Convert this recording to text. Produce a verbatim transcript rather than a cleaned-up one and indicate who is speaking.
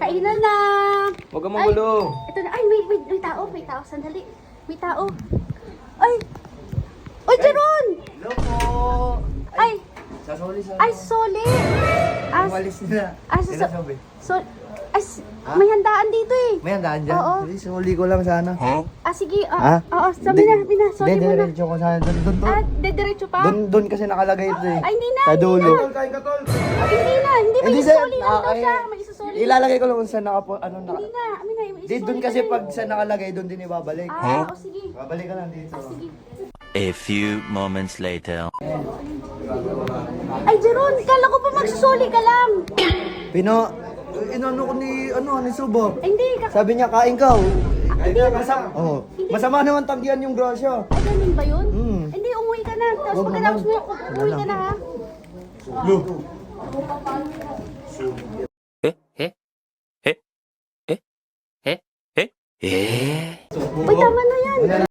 Speaker 1: kainan na.
Speaker 2: Huwag kang magulo.
Speaker 1: Ito na. Ay, may, may, may tao. May tao. Sandali. May tao. Ay. Ay, Jeron!
Speaker 3: Hello po!
Speaker 1: Ay.
Speaker 3: Sasoli sa...
Speaker 1: Ay, Soli. As,
Speaker 3: Umalis na.
Speaker 1: as,
Speaker 3: Sila sabi.
Speaker 1: so, as, may handaan dito eh.
Speaker 3: May handaan dyan?
Speaker 1: Oo.
Speaker 3: Hindi, suli ko lang sana.
Speaker 1: Ah, sige.
Speaker 3: Ha?
Speaker 1: Ah, oo, sabi na, sabi na. Sorry
Speaker 3: Hindi,
Speaker 1: muna.
Speaker 3: diretso ko sana. Doon, doon,
Speaker 1: Ah,
Speaker 3: doon.
Speaker 1: dediretso pa?
Speaker 3: Doon, doon kasi nakalagay ito eh.
Speaker 1: Ay, hindi na,
Speaker 3: Sa
Speaker 1: hindi
Speaker 3: dulo.
Speaker 1: na.
Speaker 2: Kain ka, tol.
Speaker 1: Ah, hindi na, hindi. May
Speaker 3: Hindi, sir.
Speaker 1: isoli lang
Speaker 3: Ah,
Speaker 1: daw
Speaker 3: ay,
Speaker 1: siya. May isusoli.
Speaker 3: Ilalagay ko lang kung saan nakapo, ano na.
Speaker 1: Hindi na, amin na. May
Speaker 3: Di,
Speaker 1: isusoli
Speaker 3: doon
Speaker 1: ka
Speaker 3: kasi
Speaker 1: na eh.
Speaker 3: pag sa nakalagay, doon din ibabalik.
Speaker 1: Ah, o sige.
Speaker 3: Babalik ka lang dito.
Speaker 1: Sige.
Speaker 4: A few moments later.
Speaker 1: Ay, Jeron, kala ko pa magsusoli ka lang.
Speaker 3: Pino, inano ko ni, ano, ni Subo.
Speaker 1: Ay, hindi. Kaka-
Speaker 3: Sabi niya, kain ka.
Speaker 1: Ah, hindi.
Speaker 3: Masama, oh. Masama naman tanggihan yung grasya.
Speaker 1: Ay, ganun ba yun?
Speaker 3: Hmm.
Speaker 1: Hindi, umuwi ka na. Tapos
Speaker 3: Huwag
Speaker 1: pagkatapos mo,
Speaker 3: naman.
Speaker 1: umuwi ka na ha.
Speaker 4: Eh? Eh? Eh? Eh? Eh? Eh? Eh?
Speaker 1: Uy, tama na yan.